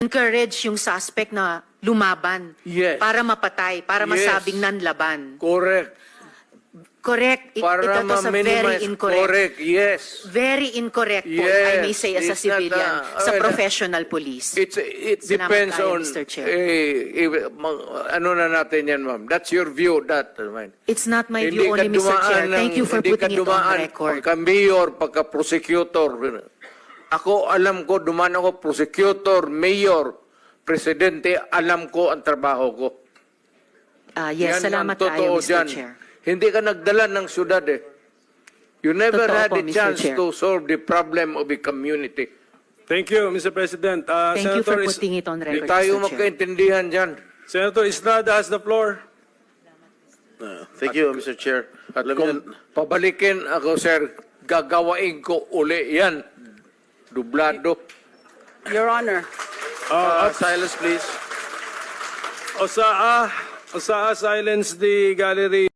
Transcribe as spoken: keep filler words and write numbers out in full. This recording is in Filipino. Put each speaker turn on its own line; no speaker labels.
encourage yung suspect na lumaban
Yes.
para mapatay, para
Yes.
masabing nanlaban.
Correct.
Correct. It,
Para
it was a very
ma-minimize.
incorrect.
Correct, yes.
Very incorrect po,
Yes.
I may say, as a
It's not,
civilian,
uh,
sa
well,
professional police.
It's, it
Salamat
depends
tayo,
on,
Mister Chair.
eh, eh, ma- ano na natin yan, ma'am. That's your view, that. Ma'am.
It's not my
Hindi
view
ka
only, Mister
dumaan
Chair.
ng-
Thank you for
hindi ka
putting it on
dumaan
record.
Pagka-mayor, pagka-prosecutor. Ako, alam ko, dumaan ako, prosecutor, mayor, presidente, alam ko ang trabaho ko.
Ah, yes,
Yan
salamat
ang totoo
tayo, Mister
dyan.
Chair.
Hindi ka nagdala ng syudad eh. You never
Totoo
had
po,
a
Mister
chance
Chair.
to solve the problem of a community.
Thank you, Mister President. Uh,
Thank you for
Senator, Is-
putting it on
Hindi
record,
tayo
Mister Chair.
magkaintindihan dyan.
Senator Estrada has the floor.
Uh, Thank you, Mister Chair.
At
Let me-
kung pabalikin ako, sir, gagawain ko uli yan. Dublado.
Your Honor,
Uh, silence, please.
Osaa, Osaa, silence the gallery.